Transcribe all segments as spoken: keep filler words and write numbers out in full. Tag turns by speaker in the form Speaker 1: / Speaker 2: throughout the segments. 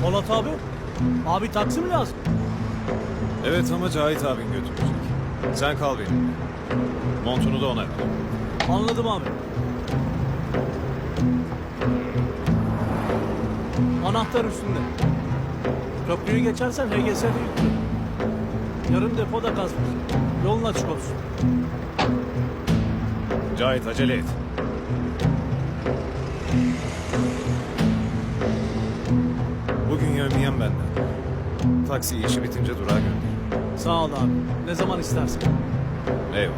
Speaker 1: Polat abi. Abi taksi mi lazım?
Speaker 2: Evet ama Cahit abin götürecek. Sen kal benimle. Montunu da ona ver.
Speaker 1: Anladım abi. Anahtar üstünde. Köprüyü geçersen H G S'de yüklü. Yarın depoda kazmış. Yolun açık olsun.
Speaker 2: Cahit acele et. Bugün yövmeyen benden. Taksi işi bitince durağa gönder.
Speaker 1: Sağ ol abi. Ne zaman istersen.
Speaker 2: Eyvallah.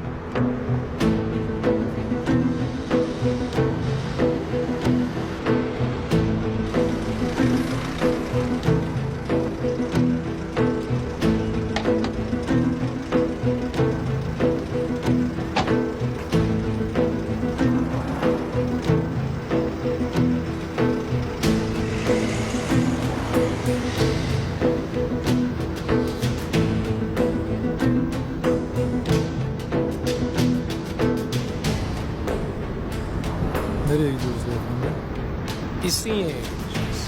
Speaker 3: Nereye gidiyoruz beyefendi?
Speaker 1: İstinye'ye gideceğiz.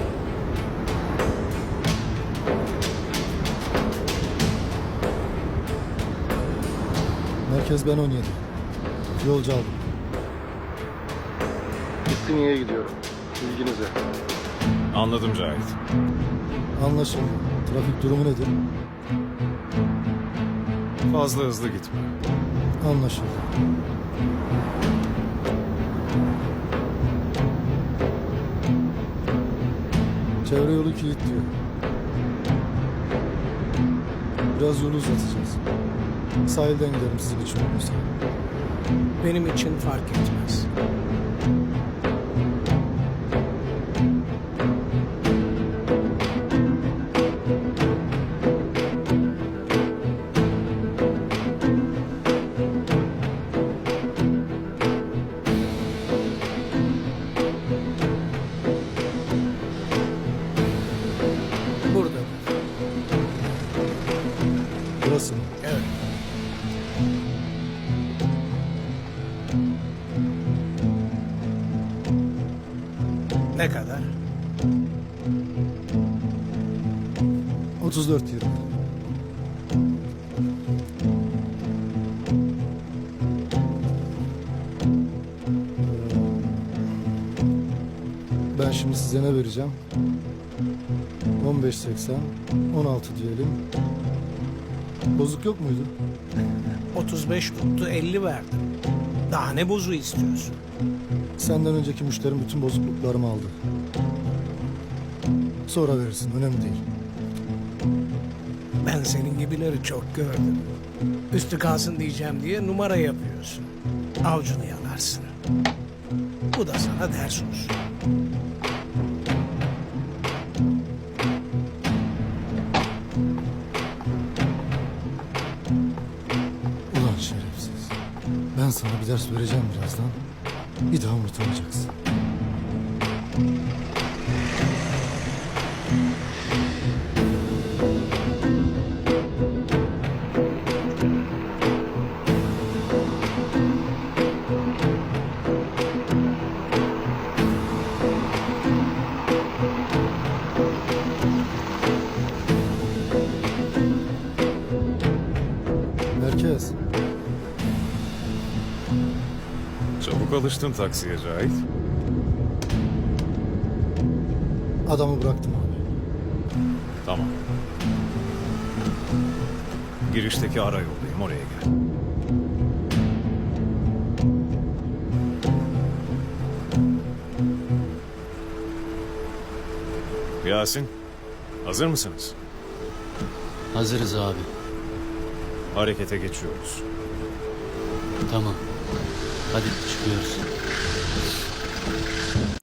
Speaker 3: Merkez ben on yedi. Yolcu aldım.
Speaker 4: İstinye'ye gidiyorum. Bilginize.
Speaker 2: Anladım Cahit.
Speaker 3: Anlaşıldı. Trafik durumu nedir?
Speaker 2: Fazla hızlı gitme.
Speaker 3: Anlaşıldı. Çevre yolu kilitliyor. Biraz yolu uzatacağız. Sahilden gidelim sizin için olursa.
Speaker 1: Benim için fark etmez. Burada.
Speaker 3: Burası mı?
Speaker 1: Evet. Ne kadar?
Speaker 3: otuz dört yirmi. Ben şimdi size ne vereceğim? on beş seksen, on altı diyelim. Bozuk yok muydu?
Speaker 1: otuz beş tuttu, elli verdim. Daha ne bozu istiyorsun?
Speaker 3: Senden önceki müşterim bütün bozukluklarımı aldı. Sonra verirsin, önemli değil.
Speaker 1: Ben senin gibileri çok gördüm. Üstü kalsın diyeceğim diye numara yapıyorsun. Avcunu yalarsın. Bu da sana ders olsun.
Speaker 3: Ulan şerefsiz. Ben sana bir ders vereceğim birazdan. Bir daha unutamayacaksın. Merkez.
Speaker 2: Çabuk alıştın taksiye Cahit.
Speaker 3: Adamı bıraktım abi.
Speaker 2: Tamam. Girişteki ara yoldayım, oraya gel. Yasin, hazır mısınız?
Speaker 5: Hazırız abi.
Speaker 2: Harekete geçiyoruz.
Speaker 5: Tamam. Hadi çıkıyoruz.